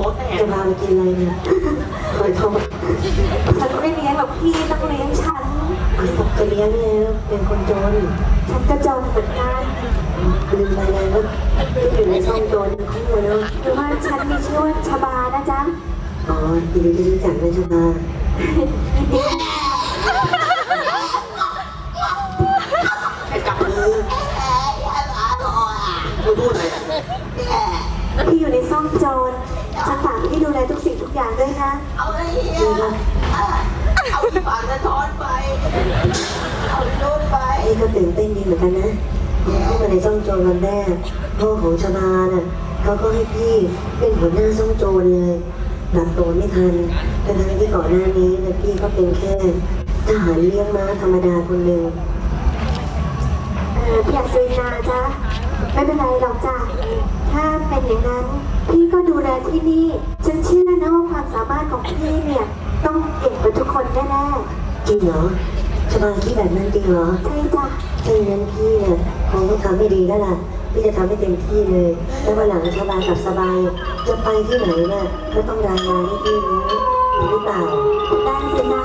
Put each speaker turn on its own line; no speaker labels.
รถแน่
จะพาไปกินอะไรเนี่ยหอยทอง
ฉันไม่เลี้ยงหรอกพี่ต้องเลี้ยงฉัน
จะเลี้ยงเนี่ยเป็นคนจน
ฉันก็จนเหมือนกัน
ลืมไปเลยว่าอยู่ในซ่องโจรคู่เนาะ
หรือว่าฉันมีชื่อว่าชบานะจ๊ะ
อ๋อยินดีที่รู้จักนะชบา
แค่จับมือมึงพูดอะไรอ่ะ
พี่อยู่ในซ่องโจรฉันฝากพี่ดูแลทุกสิ่งทุกอย่างด้วยนะ
เอาไอ้เหี้ยเอาที่ปากสะท้อนไป เอาที่โน้นไป
พี่ก็ตื่นเต้นดีเหมือนกันนะเข้ามาในซ่องโจรวันแรกพ่อของชบาน่ะเขาก็ให้พี่เป็นหัวหน้าซ่องโจรเลยหลับตัวไม่ทันทั้งที่ก่อนหน้านี้นะพี่ก็เป็นแค่ทหารเลี้ยงม้าธรรมดาคนหนึ่ง
พี่อยากซื้อนาจ๊ะไม่เป็นไรหรอกจ้ะถ้าเป็นอย่างนั้นพี่ก็ดูแลที่นี่ฉันเชื่อนะว่าความสามารถของพี่เนี่ยต้องเก่งกว่าทุกคนแน่
จริงเหรอชบาคิดแบบนั้นจริงเหรอ
ๆใช่จ้ะ
ถ้าอย่างนั้นพี่เนี่ยคงต้องทำให้ดีแล้วล่ะพี่จะทำให้เต็มที่เลย แล้ววันหลังชบากับสบายจะไปที่ไหนเนี่ยก็ต้องรายงานให้พี่รู้หรือเปล่า
ได้สิจ๊ะ